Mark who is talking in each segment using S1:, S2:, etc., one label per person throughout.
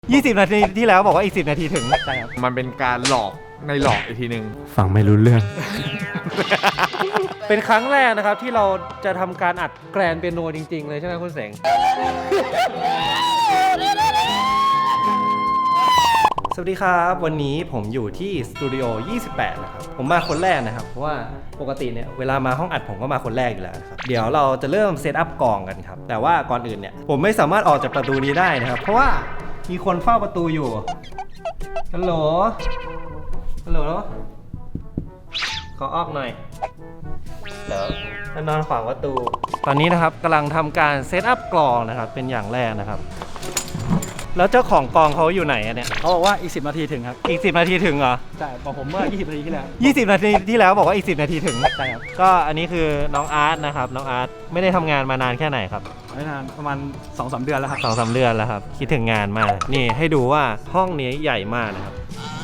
S1: 20 นาทีที่แล้วบอกว่าอีก10 นาทีถึงใช่ครับ
S2: มันเป็นการหลอกในหลอกอีกทีหนึ่ง
S3: ฟังไม่รู้เรื่อง
S1: เป็นครั้งแรกนะครับที่เราจะทำการอัดแกรนเปียโนจริงๆเลยใช่ไหมคุณเสงสวัสดีครับวันนี้ผมอยู่ที่สตูดิโอ 28 นะครับผมมาคนแรกนะครับเพราะว่าปกติเนี่ยเวลามาห้องอัดผมก็มาคนแรกอยู่แล้วนะครับเดี๋ยวเราจะเริ่มเซตอัพกองกันครับแต่ว่าก่อนอื่นเนี่ยผมไม่สามารถออกจากประตูนี้ได้นะครับเพราะว่ามีคนเฝ้าประตูอยู่ฮัลโหลขอออกหน่อยแล้วนอนขวางประตูตอนนี้นะครับกำลังทำการเซตอัพกลองนะครับเป็นอย่างแรกนะครับแล้วเจ้าของกลองเขาอยู่ไหนอะเนี่ย
S3: เขาบอกว่าอีก10 นาทีถึงครับ
S1: อีก10 นาทีถึงเหรอ
S3: ใช่บอกผมเมื่อ20 นาทีที่แล้ว
S1: 20 นาทีที่แล้วบอกว่าอีก10 นาทีถึง
S3: ใช่ครับ
S1: ก็อันนี้คือน้องอาร์ตนะครับน้องอาร์ตไม่ได้ทำงานมานานแค่ไหนครับ
S3: ไม่นานประมาณ 2-3 เดือนแล้วครับ
S1: 2-3 เดือนแล้วครับคิดถึงงานมากนี่ให้ดูว่าห้องนี้ใหญ่มากนะครับ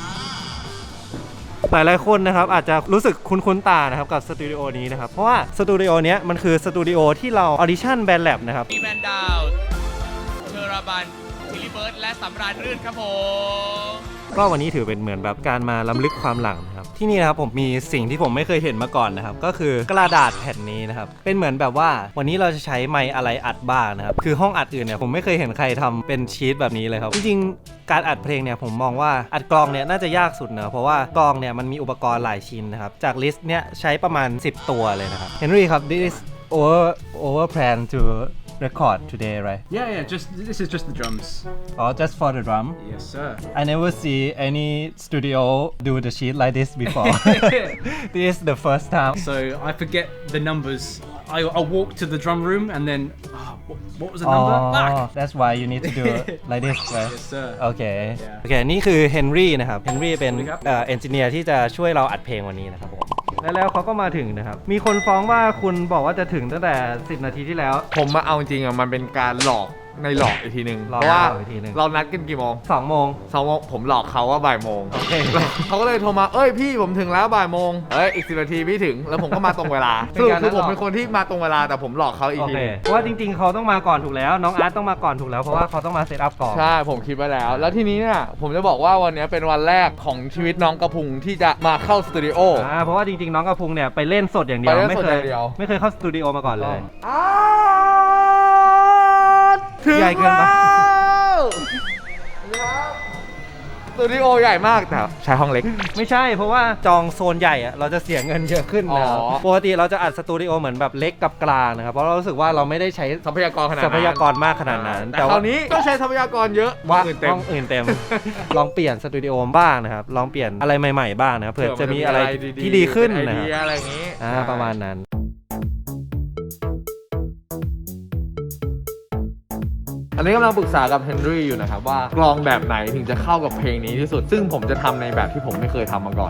S1: หลายๆคนนะครับอาจจะรู้สึกคุ้นๆตานะครับกับสตูดิโอนี้นะครับเพราะว่าสตูดิโอเนี้ยมันคือสตูดิโอที่เราออดิชั่นแบนด์แลบนะครับ
S4: มีแมนดาวเทอราบันทิลิเบิร์ดและสำราญรื่นครับผม
S1: ก็วันนี้ถือเป็นเหมือนแบบการมาล้ำลึกความหลังนะครับที่นี่นะครับผมมีสิ่งที่ผมไม่เคยเห็นมาก่อนนะครับก็คือกระดาษแผ่นนี้นะครับเป็นเหมือนแบบว่าวันนี้เราจะใช้ไมค์อะไรอัดบ้างนะครับคือห้องอัดอื่นเนี่ยผมไม่เคยเห็นใครทำเป็นชีตแบบนี้เลยครับจริงๆการอัดเพลงเนี่ยผมมองว่าอัดกลองเนี่ยน่าจะยากสุดนะเพราะว่ากลองเนี่ยมันมีอุปกรณ์หลายชิ้นนะครับจากลิสต์เนี่ยใช้ประมาณ10 ตัวเลยนะครับเฮนรี่ครับ this over plan to record today right
S3: Yeah this is just the drums
S1: or just for the drum
S3: Yes sir
S1: I never see any studio do the sheet like this before. This is the first time.
S3: So I forget the numbers I walk to the drum room and then what was the number? Fuck
S1: That's why you need to do it like this, right?
S3: Yes sir
S1: โอเค
S3: Yeah.
S1: โอเค นี่คือเฮนรี่นะครับ เฮนรี่เป็น
S3: สวัสดีครับ
S1: เอนจิเนียร์ที่จะช่วยเราอัดเพลงวันนี้นะครับผม แล้วเขาก็มาถึงนะครับ มีคนฟ้องว่าคุณบอกว่าจะถึงตั้งแต่ 10 นาทีที่แล้ว
S2: ผมมาเอาจริงอ่ะมันเป็นการหลอกในหลอกอีกทีหนึ่ง
S1: หลอก
S2: เพราะว่า
S1: อีกทีหนึ่ง
S2: เรานัดกันกี่โมง
S1: 2 โมง
S2: 2 โมงผมหลอกเขาว่าบ่ายโมง
S1: โอเค
S2: เขาก็เลยโทรมาเอ้ยพี่ผมถึงแล้วบ่ายโมงอีก10 นาทีพี่ถึงแล้วผมก็มาตรงเวลา
S1: เป็น
S2: สรุป
S1: การ
S2: คือผม
S1: หลอก
S2: เป็นคนที่มาตรงเวลาแต่ผมหลอกเขาอีก
S1: โอ
S2: ที
S1: เค
S2: หนึง
S1: เพราะว่าจริงๆ เขาต้องมาก่อนถูกแล้ว น้องอาร์ตต้องมาก่อนถูกแล้ว เพราะว่าเขาต้องมาเซตอัพก่อน
S2: ใช่ผมคิดไว้แล้ว แล้วทีนี้เนี่ยผมจะบอกว่าวันนี้เป็นวันแรกของชีวิตน้องกระพุงที่จะมาเข้าสตูดิโอ
S1: เพราะว่าจริงๆ น้องกระพุงเนี่ยไปเล่นสดอย่างเดียว
S2: ไปเล่น
S1: ไม่
S2: สด
S1: เค
S2: อย ย่างเดียว
S1: ไม่เคยเข้าสตูดิโอมาก่อนเลย
S2: ถึง
S1: ใหญ่เกินปะ
S2: แล้วสตูดิโอใหญ่มากแต่ใช้ห้องเล็ก
S1: ไม่ใช่เพราะว่าจองโซนใหญ่อะเราจะเสียเงินเยอะขึ้นนะครับ
S2: อ๋อ
S1: ปกติเราจะอัดสตูดิโอเหมือนแบบเล็กกับกลางนะครับเพราะเรารู้สึกว่าเราไม่ได้ใช้
S2: ทรัพยากรขนาด
S1: ท
S2: นั้
S1: รั
S2: น
S1: พยากรมากขนาดนั้น
S2: แต่คราวนี้ก็ใช้ทรัพยากรเยอะ
S1: ว่า
S2: อื่นเต็ม
S1: ห้องอื่นเต็ม ลองเปลี่ยนสตูดิโอบ้างนะครับลองเปลี่ยนอะไรใหม่ๆบ้างนะครับเผื่อจะมีอะไรที่ดีขึ้น
S2: เป็ไอ
S1: นะค
S2: เดีย
S1: รับ
S2: อะไรอย่างนี้
S1: ประมาณนั้น
S2: อันนี้กำลังปรึกษากับเฮนรี่อยู่นะครับว่ากลองแบบไหนถึงจะเข้ากับเพลงนี้ที่สุด ซึ่งผมจะทำในแบบที่ผมไม่เคยทำมาก่อน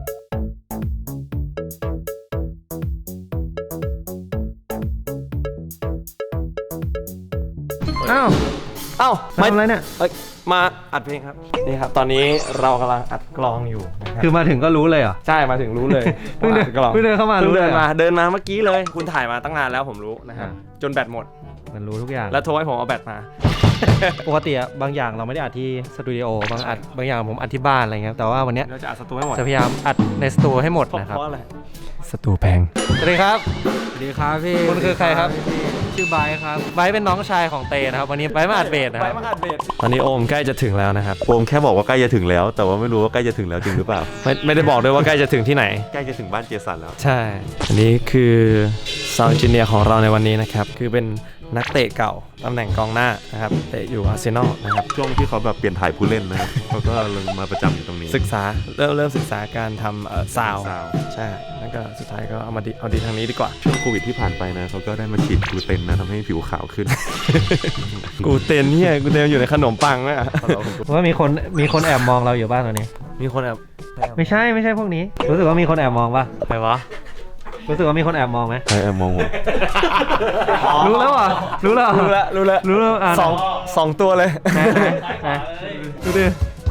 S1: อ้าว
S5: เอ้า
S1: ทำอะไรเนี่ย
S5: เอ้ยมาอัดเพลงครับนี่ครับตอนนี้เรากำลังอัดกลองอยู่นะครับ
S1: คือมาถึงก็รู้เลยเหรอ
S5: ใช่มาถึงรู้เลย
S1: เพิ่งเดิน
S5: ว่าอัดกลอง
S1: เพิ่งเดินเข้ามา
S5: เพิ่ง
S1: รู้เลย
S5: เดิน
S1: เหรอ
S5: มาเดินมาเมื่อกี้เลย คุณถ่ายมาตั้งนานแล้วผมรู้นะครับจนแบตหมด
S1: มันรู้ทุกอย่าง
S5: แล้วโทรให้ผมเอาแบตมา
S1: ปกติอะบางอย่างเราไม่ได้อัดที่สตูดิโอบางอย่างผมอัดที่บ้านอะไรเงี้ยแต่ว่าวันเนี้ย
S5: เราจะอัดสตูให้หมด
S1: จะพยายามอัดในสตูให้หมดนะครับ
S5: เพราะอะไร
S1: สตูแพงสวัสดีครับ
S3: สวัสดีครับพี่
S1: คุณคือใครครับ
S3: ชื่อไบร์ทครับ
S1: ไบร์ทเป็นน้องชายของเตนะครับวันนี้ไบร์ทมาอัดเบสนะครับ
S5: ไปมาอัดเบส
S1: ตอนนี้โอมใกล้จะถึงแล้วนะครับ
S6: โอมแค่บอกว่าใกล้จะถึงแล้ว แต่ว่าไม่รู้ว่าใกล้จะถึงแล้วจริงหรือเปล่า
S1: ไม่ได้บอกด้วยว่าใกล้จะถึงที่ไหน
S6: ใกล้จะถึงบ้านเจสันแล้ว
S1: ใช่ อันนี้คือซาวด์เอนจิเนียร์ของเราในวันนี้นะครับ คือเป็นนักเตะเก่าตำแหน่งกองหน้านะครับเตะอยู่อาร์เซนอลนะครับ
S6: ช่วงที่เขาแบบเปลี่ยนถ่ายผู้เล่นนะครับ เขาก็เลยมาประจำอยู่ตรงนี้
S1: ศึกษาเริ่มศึกษาการทำซาว
S6: sound
S1: ใช่แล้วก็สุดท้ายก็เอาดีทางนี้ดีกว่า
S6: ช่วงโควิดที่ผ่านไปนะเขาก็ได้มาฉีดกลูเตนนะทำให้ผิวขาวขึ้น
S1: กูเต้นเนี่ยกูเต้นอยู่ในขนมปังไหมอ่ะว่ามีคนแอบมองเราอยู่บ้างตอนนี้
S5: มีคนแอบ
S1: ไม่ใช่พวกนี้ รู้สึกว่ามีคนแอบมองป่ะ
S5: ใครวะ
S1: รู้สึกว่ามีคนแอบมองไหม
S6: ใครแอบมองผม
S1: รู้แล้วเหรอรู้แล้ว
S5: รู้แล้ว
S1: อ่ะ
S5: สองตัวเลย
S1: ไหนดูดิ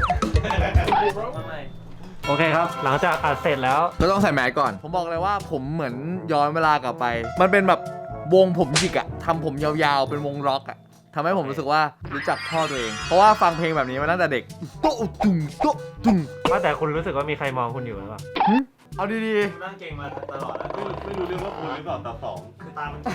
S1: โอเคครับ หลังจากอัดเสร็จแล้ว
S2: ก็ต้องใส่แมสก่อน ผมบอกเลยว่าผมเหมือนย้อนเวลากลับไป มันเป็นแบบวงผมหยิกอะทำผมยาวๆเป็นวงร็อกอะทำให้ผมรู้สึกว่ารู้จักพ่อตัวเอง เพราะว่าฟังเพลงแบบนี้มาตั้งแต่เด็กโต๊ะตุ่มโต๊ะตุ่ม
S1: ว่าแต่คุณรู้สึกว่ามีใครมองคุณอยู่หรือเปล่า
S2: เอาดี
S1: นั่งเก่งมาตลอดแล้ว
S6: ไม่รู้เรื่องว่าคุณหรือเปล่าตาสองคือตามัน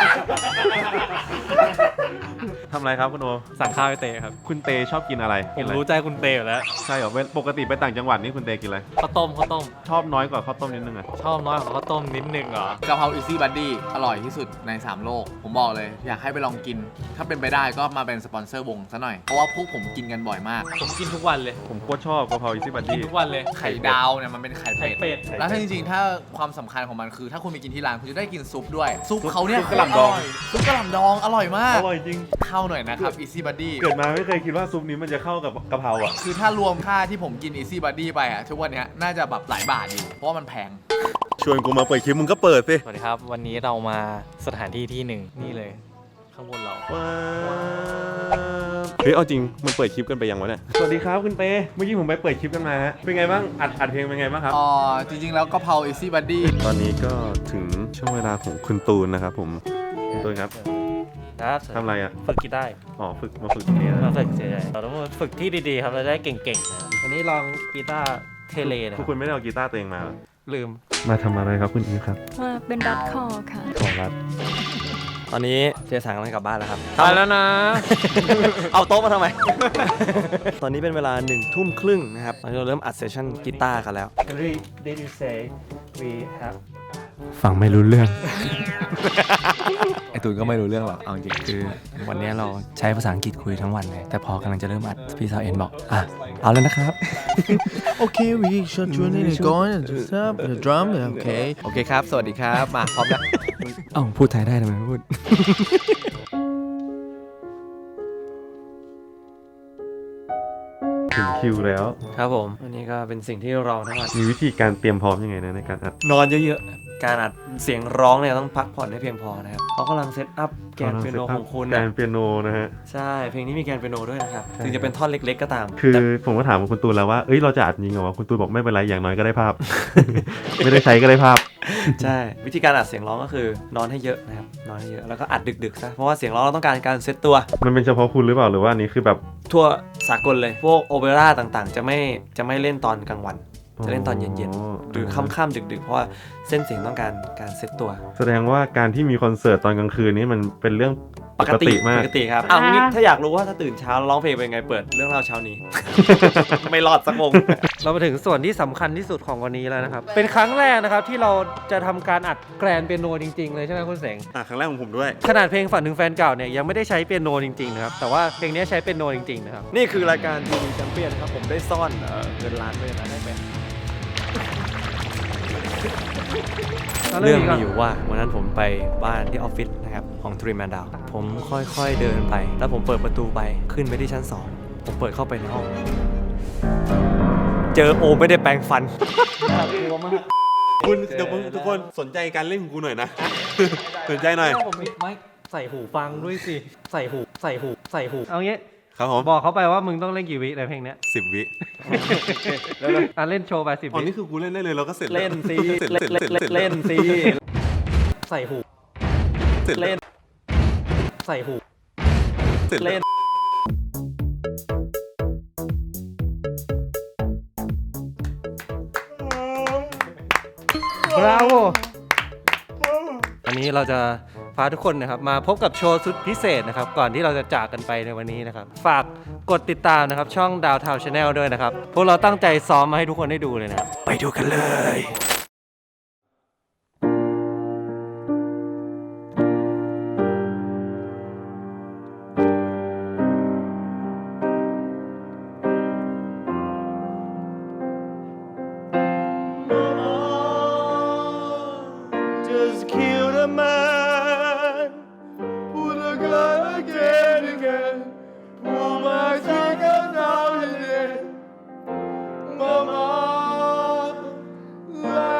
S6: ทำอะไรครับคุณโอ
S5: สั่งข้าวไปเตะครับ
S6: คุณเตชอบกินอะไร
S5: ผม
S6: กินอะไร
S5: รู้ใจคุณเตอยู่แล้ว
S6: ใช่เหรอปกติไปต่างจังหวัดนี่คุณเตกินอะไร
S5: ข้าวต้ม
S6: ชอบน้อยกว่าข้าวต้มนิดนึงอะ
S5: ชอบน้อยกว่าข้าวต้มนิดนึงเหรอ
S2: ๆกะเพราอีซี่บัดดี้อร่อยที่สุดใน 3 โลก ผมบอกเลย อยากให้ไปลองกิน ถ้าเป็นไปได้ก็มาเป็นสปอนเซอร์วงซะหน่อย เพราะว่าพวกผมกินกันบ่อยมาก
S5: ผมกินทุกวันเลย
S6: ผมโคตรชอบกะเพราอีซี่บัด
S5: กิน
S6: ดี้
S5: ทุกวันเลย
S2: ไข่ดาวเนี่ยมันเป็นไข่
S5: ไข่
S2: เป็ด
S5: เป็ด
S2: แล้วถ้าจริงๆ ถ้าความสำคัญของมันคือถ้าคุณไปกินที่ร้านคุณจะได้กินซุปด้วย ซุปเขาเนี่ย
S6: ซุปกะหล่ำดอง
S2: ซุปกะหล่ำดองอร่อยมาก
S6: อร่อยจริง
S2: เข้าหน่อยนะครับ Easy Buddy
S6: เกิดมาไม่เคยคิดว่าซุปนี้มันจะเข้ากับกะเพราอ่ะ
S2: คือถ้ารวมค่าที่ผมกิน Easy Buddy ไปอะทุกวันเนี้ยน่าจะแบบหลายบาทอยู่เพราะว่ามันแพง
S6: ชวนกูมาเปิดคลิปมึงก็เปิดสิ
S5: สวัสดีครับ วันนี้เรามาสถานที่ที่หนึ่งนี่เลย ข้างบนเรา
S6: เฮ้ยเอาจริงมันเปิดคลิปกันไปยังวะเนี่ยสวัสดีครับคุณเตเมื่อกี้ผมไปเปิดคลิปกันมาฮะเป็นไงบ้างอัดเพลงเป็นไงบ้างครับ
S2: จริงๆ แล้วกะเพรา Easy Buddy
S6: ตอนนี้ก็ถึงช่วงเวลาของคุณตูนนะครับผมคุณตูนครับ
S1: ครับ
S6: ทำอะไรอ่ะ
S1: ฝึกกีตาร์
S6: อ๋อมาฝึกตรงนี้นะ
S1: มาฝึกเฉยๆเราต้องมาฝึกที่ดีๆครับเราจะได้เก่งๆนะวันนี้ลองกีตาร์เทเลนะ
S6: พวกคุณไม่ได้เอากีตาร์ตัวเองมาเหรอ
S1: ลืม
S6: มาทำอะไรครับคุณอีฟครับ
S7: มาเป็นรัดคอค่ะ
S6: ของรัฐ
S5: ตอนนี้เจสังกำลังกลับบ้านแล้วครับ
S1: ไปแล้วนะ
S5: เอาโต๊ะมาทำไม ตอนนี้เป็นเวลา1 ทุ่มครึ่งนะครับตอนนี้เราเริ่มอัดเซสชั่นกีตาร์กันแล้ว
S1: Henry did you say we have
S5: ฟังไม่รู้เรื่อง
S2: ไอตูนก็ไม่รู้เรื่องหรอกเอาจริง
S5: คือวันนี้เราใช้ภาษาอังกฤษคุยทั้งวันเลย แต่พอกำลังจะเริ่มอัดพี่สาวเอ็นบอก อ่ะ เอาแล้วนะครับ
S2: Okay we should join in going and just up the drum okay โอเคครับ สวัสดีครับ มาพร้อมแล้ว
S5: เอ้าพูดไทยได้ทำไมไม่พูด
S6: ถึงคิวแล้ว
S5: ครับผมวันนี้ก็เป็นสิ่งที่รอทั้งวัน
S6: มีวิธีการเตรียมพร้อมยังไงนะในการอัด
S5: นอนเยอะๆ การอัดเสียงร้องเนี่ยต้องพักผ่อนให้เพียงพอนะครับเขากำลังเซตอัพแกนเปียโนของคุณ
S6: แก
S5: นะ
S6: นเปียโนนะฮะ
S5: ใช่ เพลงนี้มีแกนเปียโนด้วยนะครับ ถึงจะเป็นท่อนเล็กๆก็ตาม
S6: คือ
S5: แต่
S6: ผมก็ถามคุณตูนแล้วว่าเอ้ยเราจะอัดจริงเหรอวะคุณตูนบอกไม่เป็นไรอย่างน้อยก็ได้ภาพ ไม่ได้ใช้ก็ได้ภาพ
S5: ใช่ วิธีการอัดเสียงร้องก็คือนอนให้เยอะนะครับ นอนให้เยอะ แล้วก็อัดดึกๆซะ เพราะว่าเสียงร้องเราต้องการการเซตตัว
S6: มันเป็นเฉพาะคุณหรือเปล่าหรือว่าอันนี้คือแบบ
S5: ทั่วสากลเลย พวกโอเปร่าต่างๆ จะไม่เล่นตอนกลางวัน จะเล่นตอนเย็นๆ หรือค่ำๆดึกๆ เพราะว่าเส้นเสียงต้องการเซตตัว
S6: แสดงว่าการที่มีคอนเสิร์ตตอนกลางคืนนี้มันเป็นเรื่องปกติมาก
S5: ปกติครับอ้าวงี้ถ้าอยากรู้ว่าถ้าตื่นเช้าแล้วร้องเพลงเป็นไงเปิดเรื่องเล่าเช้านี้ ไม่รอดสักวง
S1: เรามาถึงส่วนที่สำคัญที่สุดของวันนี้แล้วนะครับ เป็นครั้งแรกนะครับที่เราจะทำการอัดแกรนเปียโนจริงๆเลยใช่ไหมคุณเสง
S6: ครั้งแรกของผมด้วย
S1: ขนาดเพลงฝันถึงแฟนเก่าเนี่ยยังไม่ได้ใช้เปียโนจริงๆนะครับ แต่ว่าเพลงนี้ใช้เปียโนจริงๆนะครับ
S5: นี่คือรายการทีวีแชมเปี้ยนครับผมได้ซ่อนเงินล้านไว้นะได้ไหมเรื่องมีอยู่ว่าวันนั้นผมไปบ้านที่ออฟฟิศนะครับของทรีแมนดาวผมค่อยๆเดินไป แล้วผมเปิดประตูไปขึ้นไปที่ชั้น 2 ผมเปิดเข้าไปในห้อง เจอโอไม่ได้แปรงฟัน
S6: คุณเดี๋ยวทุกคนสนใจการเล่นของกูหน่อยนะ สนใจหน่อย
S1: ผมไม่ใส่หูฟังด้วยสิ ใส่หูเอางี้
S6: ครับผม
S1: บอกเขาไปว่ามึงต้องเล่นกี่วิในเพลงเนี้ย
S6: 10 วิ
S1: อ่ะเล่นโชว์ไป10
S6: อ๋อ
S1: วิ
S6: นี่คือกูเล่นได้เลยเราก็เสร็จ
S5: เล่นสิ
S6: เสร็จ
S5: เล่นสิ
S1: ใส่หู
S6: เสร็จ
S5: เล่น
S1: ใส่หู
S6: เสร็จ
S5: เล่น
S1: บราโววันนี้เราจะพาทุกคนนะครับมาพบกับโชว์สุดพิเศษนะครับก่อนที่เราจะจากกันไปในวันนี้นะครับฝากกดติดตามนะครับช่องดาวทาวชาแนลด้วยนะครับพวกเราตั้งใจซ้อมมาให้ทุกคนได้ดูเลยนะครับไปดูกันเลย
S6: Just kill the man Put a gun again Pull my trigger down again Mama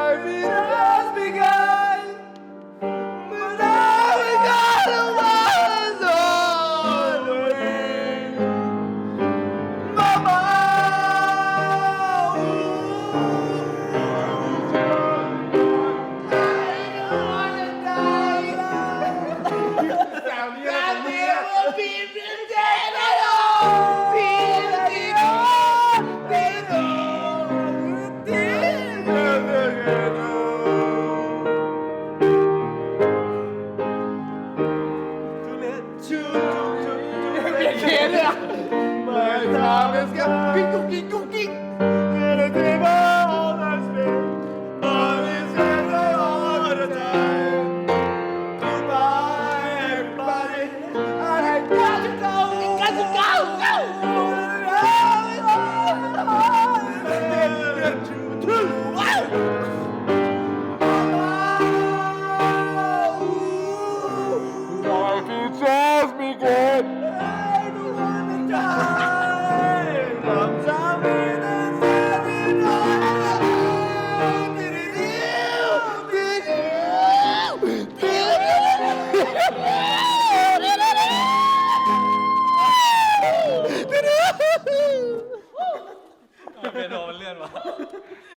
S2: time is getting cookie cookie. And the table has been on his hands all the time. Goodbye, everybody. I got to go. Got to go. Life is just begun. I don't wanna die. Sometimes it's every night.
S1: เป็นโดนเลื่อนวะ